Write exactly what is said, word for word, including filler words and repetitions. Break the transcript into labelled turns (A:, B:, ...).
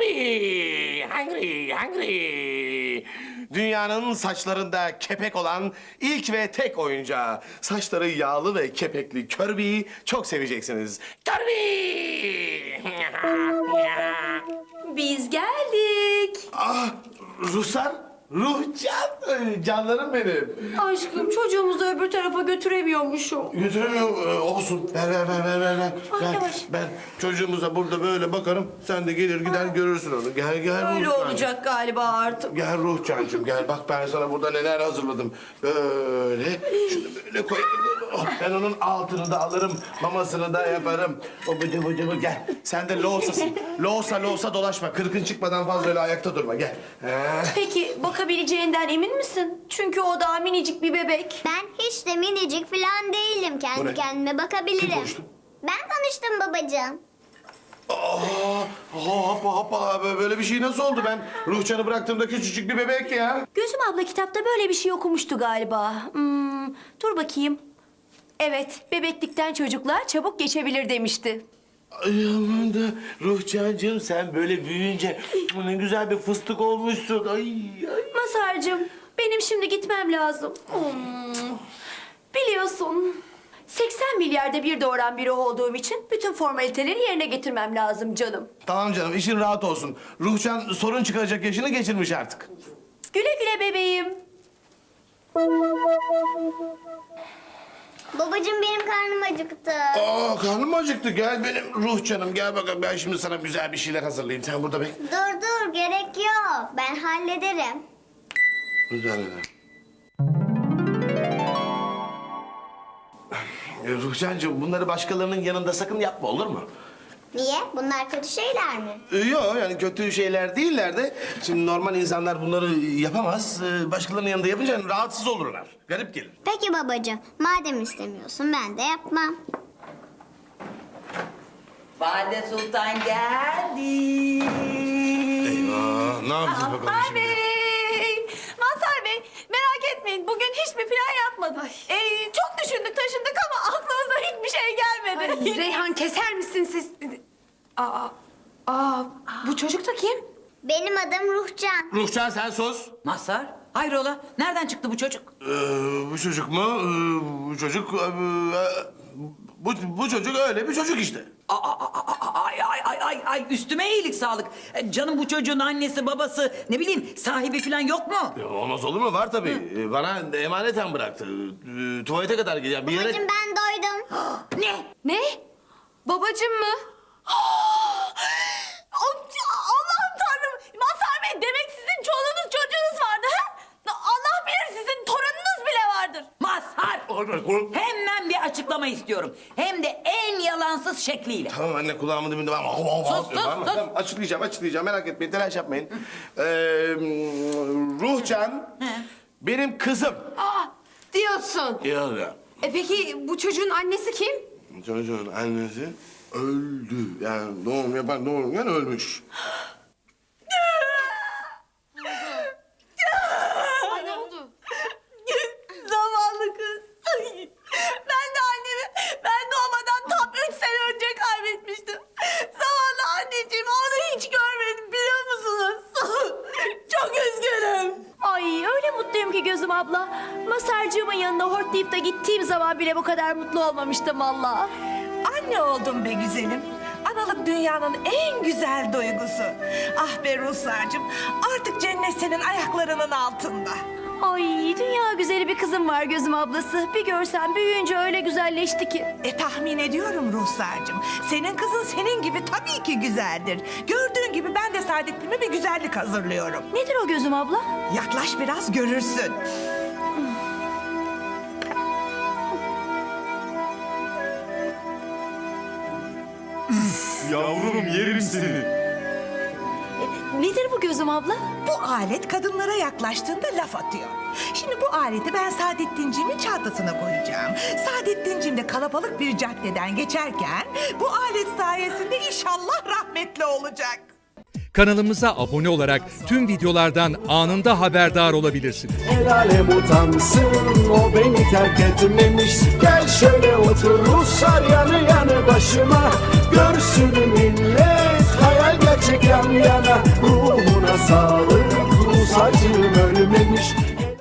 A: Kirby! Hungry, hungry! Dünyanın saçlarında kepek olan ilk ve tek oyuncağı. Saçları yağlı ve kepekli Kirby'yi çok seveceksiniz. Kirby!
B: Biz geldik.
A: Ah, Ruslar, Ruhcan, Ay, canlarım benim.
B: Aşkım çocuğumuzu öbür tarafa götüremiyormuşum.
A: Götüremiyorum, ee, olsun. Ver, ver, ver, ver, ver. ver.
B: Ay,
A: Ben,
B: yavaş.
A: ben çocuğumuza burada böyle bakarım. Sen de gelir gider görürsün onu. Gel, gel
B: Öyle
A: Ruhcan.
B: olacak galiba artık.
A: Gel Ruhcancığım gel bak ben sana burada neler hazırladım. Böyle şunu böyle koyarım. Oh, ben onun altını da alırım, mamasını da yaparım. O bıdı bıdı bıdı gel. Sen de loğusasın. Loğusa loğusa dolaşma. Kırkın çıkmadan fazla öyle ayakta durma gel. He.
B: Peki bakabileceğinden emin misin? Çünkü o daha minicik bir bebek.
C: Ben hiç de minicik falan değilim.
A: Bu ne?
C: Kendi kendime
A: Kim
C: bakabilirim.
A: konuştu?
C: Ben konuştum babacığım.
A: Aa, hoppa hoppa böyle bir şey nasıl oldu? Ben Ruhcan'ı bıraktığımda küçücük bir bebek ya.
B: Gözüm abla kitapta böyle bir şey okumuştu galiba. Hmm, dur bakayım. Evet, bebeklikten çocuklar çabuk geçebilir demişti.
A: Ay aman da Ruhcancığım sen böyle büyüyünce ne güzel bir fıstık olmuşsun. Ay ay.
B: Masarcığım, benim şimdi gitmem lazım. Hmm, biliyorsun, seksen milyarda bir doğuran biri olduğum için bütün formaliteleri yerine getirmem lazım canım.
A: Tamam canım işin rahat olsun. Ruhcan sorun çıkaracak yaşını geçirmiş artık.
B: Güle güle bebeğim.
C: Babacığım benim karnım acıktı.
A: Aa karnım acıktı gel benim Ruhcanım gel bakalım ben şimdi sana güzel bir şeyler hazırlayayım. Sen burada bek.
C: Dur dur gerek yok. Ben hallederim.
A: Güzel güzel. Ee, Ruhcancığım bunları başkalarının yanında sakın yapma olur mu?
C: Niye? Bunlar kötü şeyler mi?
A: Ee, Yok yani kötü şeyler değiller de şimdi normal insanlar bunları yapamaz. Ee, Başkalarının yanında yapınca hani rahatsız olurlar. Garip gelir.
C: Peki babacığım. Madem istemiyorsun ben de yapmam.
D: Valide Sultan geldi.
A: Eyvah ne yapacağız bakalım
B: Mazhar
A: şimdi?
B: Bey! Mazhar Bey, merak etmeyin. Bugün hiçbir plan yapmadık. Ee, çok düşündük, taşındık ama aklımıza hiçbir şey gelmedi.
E: Ay, Reyhan keser misin siz? Aa, aa, bu çocuk da kim?
C: Benim adım Ruhcan.
A: Ruhcan sen sus.
D: Mazhar, hayrola? Nereden çıktı bu çocuk?
A: Ee, bu çocuk mu? Ee, bu çocuk... ee, bu, bu çocuk öyle bir çocuk işte.
D: Aa, aa, aa, ay, ay, ay, ay, ay, üstüme iyilik sağlık. E, Canım bu çocuğun annesi, babası, ne bileyim sahibi falan yok mu?
A: Ya, olmaz olur mu? Var tabii. Ee, Bana emaneten bıraktı. Ee, Tuvalete kadar gidiyor. Bir yere...
C: Babacığım ben doydum.
D: Ne?
E: Ne? Babacım mı?
B: Allah'ım tanrım! Mazhar Bey, demek sizin çoluğunuz çocuğunuz vardı ha? Allah bilir sizin torununuz bile vardır.
D: Mazhar! Hemen bir açıklama istiyorum. Hem de en yalansız şekliyle.
A: Tamam anne kulağımın dibinde var.
D: Sus, sus,
A: Tamam,
D: sus.
A: tamam, açıklayacağım, açıklayacağım. Merak etmeyin, telaş yapmayın. Ee, Ruhcan benim kızım.
E: Aa, diyorsun.
A: Ya ya.
E: E peki bu çocuğun annesi kim?
A: Çocuğun annesi öldü. Yani doğum yapan doğururken ölmüş.
E: Ay ne oldu?
B: Zavallı kız. Ay, ben de annemi ben doğmadan tam üç sene önce kaybetmiştim. Zavallı anneciğim, onu hiç görmedim biliyor musunuz? Çok üzgünüm. Ay öyle mutluyum ki gözüm abla. Masarcığımın yanına hortlayıp da gittiğim zaman bile bu kadar mutlu olmamıştım valla.
F: Anne oldum be güzelim. Analık dünyanın en güzel duygusu. Ah be Ruslarcığım, artık cennet senin ayaklarının altında.
B: Ay dünya güzeli bir kızım var gözüm ablası. Bir görsen büyüyünce öyle güzelleşti ki.
F: E tahmin ediyorum Ruslarcığım. Senin kızın senin gibi tabii ki güzeldir. Gördüğün gibi ben de Saadettin'e bir güzellik hazırlıyorum.
B: Nedir o gözüm abla?
F: Yaklaş biraz görürsün.
G: Yavrum yerim seni.
B: Nedir bu gözüm abla?
F: Bu alet kadınlara yaklaştığında laf atıyor. Şimdi bu aleti ben Saadettinciğimin çantasına koyacağım. Saadettinciğim de kalabalık bir caddeden geçerken bu alet sayesinde inşallah rahmetli olacak.
H: Kanalımıza abone olarak tüm videolardan anında haberdar olabilirsiniz.
I: El alem utansın o beni terk etmemiş. Gel şöyle otur Ruslar yanı yanı başıma. Görsün millet hayal gerçek yan yana. Ruhuna sağlık, Rus acım ölmemiş.